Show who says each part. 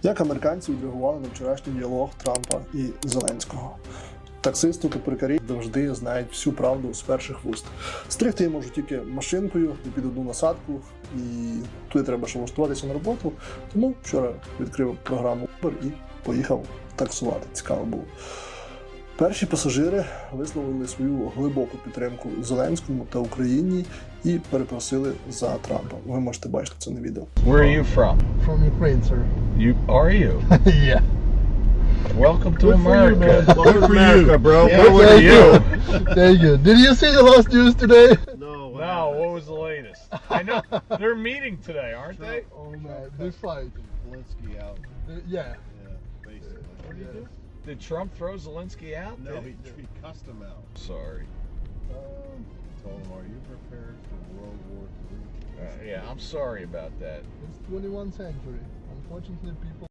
Speaker 1: Як американці відреагували на вчорашній діалог Трампа і Зеленського? Таксисти та перукарі завжди знають всю правду з перших вуст. Стригти я можу тільки машинкою і під одну насадку, і туди треба ще влаштуватися на роботу. Тому вчора відкрив програму Uber і поїхав таксувати. Цікаво було. Перші пасажири висловили свою глибоку підтримку Зеленському та Україні і перепросили за Трампа. Ви можете бачити це на відео.
Speaker 2: Where are you from?
Speaker 3: From Ukraine, sir.
Speaker 2: Are you?
Speaker 3: Yeah.
Speaker 2: Welcome to
Speaker 3: Good for you,
Speaker 2: America.
Speaker 3: man. Good for you,
Speaker 2: bro.
Speaker 3: Yeah,
Speaker 2: Good for
Speaker 3: thank
Speaker 2: you.
Speaker 3: Thank you. Did you see the last news today?
Speaker 2: No, what was the latest? I know they're meeting today, aren't they?
Speaker 3: Oh man, they fight.
Speaker 4: Zelensky out.
Speaker 3: Yeah.
Speaker 4: Basically.
Speaker 2: What did he do? Did Trump throw Zelensky out?
Speaker 4: No, he cussed him out.
Speaker 2: Sorry.
Speaker 4: Told him, "Are you prepared for World War III?"
Speaker 2: Yeah, I'm sorry about that.
Speaker 3: It's 21st century. Unfortunately, people